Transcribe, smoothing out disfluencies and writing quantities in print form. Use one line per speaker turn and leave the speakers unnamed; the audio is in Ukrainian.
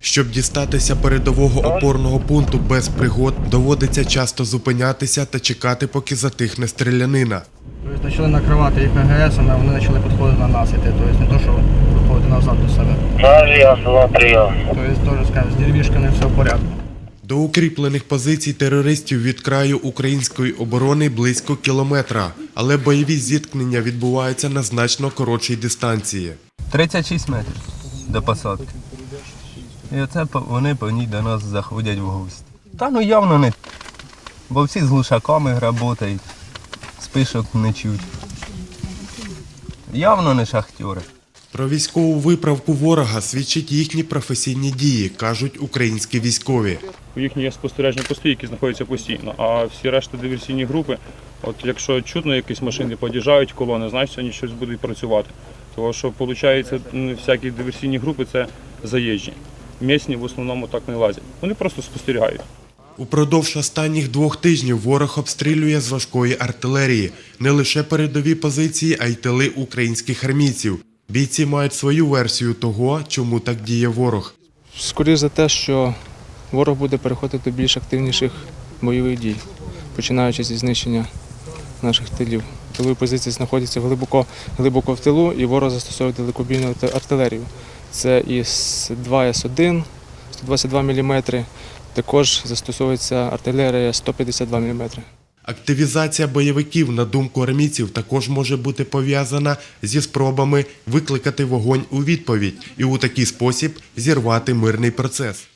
Щоб дістатися передового опорного пункту без пригод, доводиться часто зупинятися та чекати, поки затихне стрілянина.
Тобто почали накривати їх АГС-ами, а вони почали підходити на нас іти. Тобто не то, що виходити назад до себе. Тобто теж, скажімо, з деревішками все в порядку.
До укріплених позицій терористів від краю української оборони близько кілометра, але бойові зіткнення відбуваються на значно коротшій дистанції.
36 метрів до посадки. І оце вони по ній до нас заходять в гості. Та ну явно не, бо всі з глушаками працюють, спишок не чуть. Явно не шахтери.
Про військову виправку ворога свідчать їхні професійні дії, кажуть українські військові.
Їхні є спостережні пости, які знаходяться постійно, а всі решта диверсійні групи, от якщо чутно якісь машини під'їжджають колони, значить вони щось будуть працювати. Тому що, виходить, всякі диверсійні групи – це заїжджі. Місні в основному так не лазять. Вони просто спостерігають.
Упродовж останніх 2 тижнів ворог обстрілює з важкої артилерії не лише передові позиції, а й тили українських армійців. Бійці мають свою версію того, чому так діє ворог.
Скоріше за те, що ворог буде переходити до більш активніших бойових дій, починаючи зі знищення наших тилів. Тилові позиції знаходяться глибоко в тилу, і ворог застосовує далекобійну артилерію. Це і С-2С1, 122 мм, також застосовується артилерія 152 мм.
Активізація бойовиків, на думку армійців, також може бути пов'язана зі спробами викликати вогонь у відповідь і у такий спосіб зірвати мирний процес.